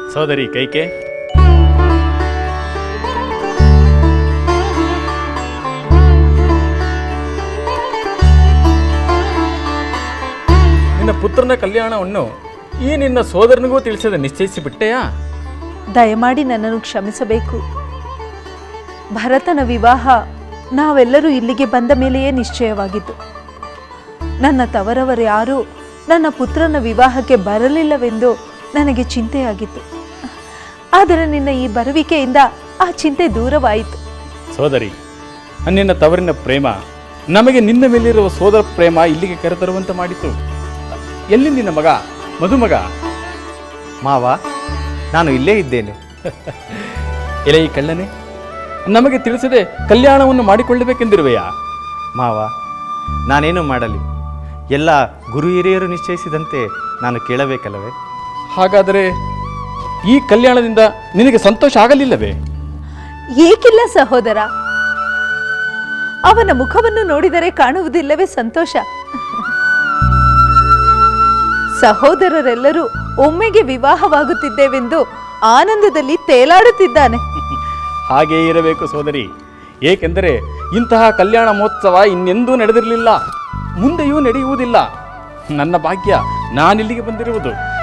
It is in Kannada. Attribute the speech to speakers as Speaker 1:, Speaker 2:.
Speaker 1: ಸೋದರಿ ಕೈಕೆ, ನಿನ್ನ ಪುತ್ರನ ಕಲ್ಯಾಣವನ್ನು ಈ ನಿನ್ನ ಸೋದರನಿಗೂ ತಿಳಿಸದೆ ನಿಶ್ಚಯಿಸಿಬಿಟ್ಟೆಯಾ?
Speaker 2: ದಯಮಾಡಿ ನನ್ನನ್ನು ಕ್ಷಮಿಸಬೇಕು. ಭರತನ ವಿವಾಹ ನಾವೆಲ್ಲರೂ ಇಲ್ಲಿಗೆ ಬಂದ ಮೇಲೆಯೇ ನಿಶ್ಚಯವಾಗಿತ್ತು. ನನ್ನ ತವರವರು ಯಾರೂ ನನ್ನ ಪುತ್ರನ ವಿವಾಹಕ್ಕೆ ಬರಲಿಲ್ಲವೆಂದು ನನಗೆ ಚಿಂತೆಯಾಗಿತ್ತು. ಆದರೆ ನಿನ್ನ ಈ ಬರುವಿಕೆಯಿಂದ ಆ ಚಿಂತೆ ದೂರವಾಯಿತು.
Speaker 1: ಸೋದರಿ, ನಿನ್ನ ತವರಿನ ಪ್ರೇಮ ನಮಗೆ ನಿನ್ನ ಮೇಲಿರುವ ಸೋದರ ಪ್ರೇಮ ಇಲ್ಲಿಗೆ ಕರೆತರುವಂತೆ ಮಾಡಿತು. ಎಲ್ಲಿ ನಿನ್ನ ಮಗ ಮದುಮಗ?
Speaker 3: ಮಾವ, ನಾನು ಇಲ್ಲೇ ಇದ್ದೇನೆ.
Speaker 1: ಎಲೆ ಈ ಕಳ್ಳನೆ, ನಮಗೆ ತಿಳಿಸದೆ ಕಲ್ಯಾಣವನ್ನು ಮಾಡಿಕೊಳ್ಳಬೇಕೆಂದಿರುವೆಯಾ?
Speaker 3: ಮಾವ, ನಾನೇನು ಮಾಡಲಿ? ಎಲ್ಲ ಗುರು ಹಿರಿಯರು ನಿಶ್ಚಯಿಸಿದಂತೆ ನಾನು ಕೇಳಬೇಕಲ್ಲವೇ?
Speaker 1: ಹಾಗಾದರೆ ಈ ಕಲ್ಯಾಣದಿಂದ ನಿನಗೆ ಸಂತೋಷ ಆಗಲಿಲ್ಲವೇ?
Speaker 2: ಏಕಿಲ್ಲ ಸಹೋದರ, ಅವನ ಮುಖವನ್ನು ನೋಡಿದರೆ ಕಾಣುವುದಿಲ್ಲವೇ ಸಂತೋಷ? ಸಹೋದರರೆಲ್ಲರೂ ಒಮ್ಮೆಗೆ ವಿವಾಹವಾಗುತ್ತಿದ್ದೇವೆಂದು ಆನಂದದಲ್ಲಿ ತೇಲಾಡುತ್ತಿದ್ದಾನೆ.
Speaker 1: ಹಾಗೇ ಇರಬೇಕು ಸೋದರಿ. ಏಕೆಂದರೆ ಇಂತಹ ಕಲ್ಯಾಣ ಮಹೋತ್ಸವ ಇನ್ನೆಂದೂ ನಡೆದಿರಲಿಲ್ಲ, ಮುಂದೆಯೂ ನಡೆಯುವುದಿಲ್ಲ. ನನ್ನ ಭಾಗ್ಯ ನಾನಿಲ್ಲಿಗೆ ಬಂದಿರುವುದು.